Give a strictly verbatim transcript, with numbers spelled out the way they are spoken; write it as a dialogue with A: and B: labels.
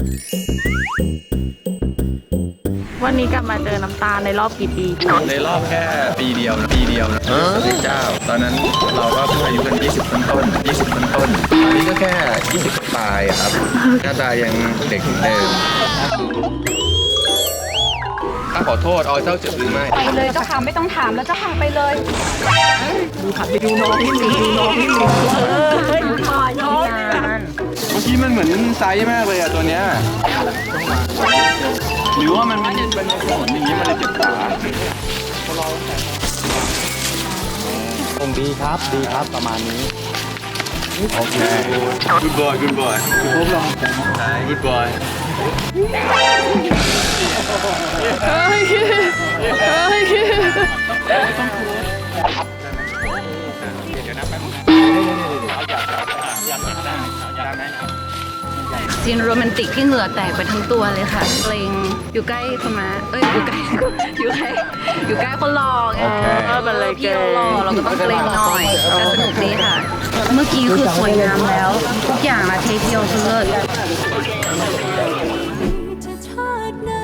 A: วันนี้กลับมาเจอน้ำตาลในรอบกี่ปี
B: ในรอบแค่ปีเดียวนะปีเดียวนะพระเจ้าตอนนั้นเราก็เพิ่งอายุกันยี่สิบต้นต้นยี่สิบต้นต้นตอนนี้ก็แค่ยี่สิบปลายอะครับหน้าตายังเด็กเหมือนเดิมถ้าขอโทษออยเจ้าเจ็บหรือไม่
C: ไปเลยเจ้าค่ะไม่ต้องถามแล้วเจ้าค่ะไปเลย
A: ดูขับไปดูน้องนี่ดูน้องนี่เออเฮ้ยขอน้อง
B: เมื่อกี้มันเหมือนไซส์มากเลยอะตัวเนี้ยหรือว่ามันเป็นเป็นขนอย่างนี้มันเลยเจ็บขา
D: คงดีครับดีครับประมาณนี้
B: โอเค good boy good boy พบลองใช่ good boy
A: เฮ้ยเฮ้ยซีนโรแมนติกที่เหงื่อแตกไปทั้งตัวเลยค่ะเกรงอยู่ใกล้คนมาเอ้ยอยู่ใกล้อยู่ใกล้อยู่ใกล้คนหล่อไงก็เป็นเลยพี่เราหล่อเราก็ต้องเกรงหน่อยแต่สนุกดีค่ะ เมื่อกี้คือสวยงามแล้ว ทุกอย่างละเทเดียวคือเลิศ
E: จะชาติไหน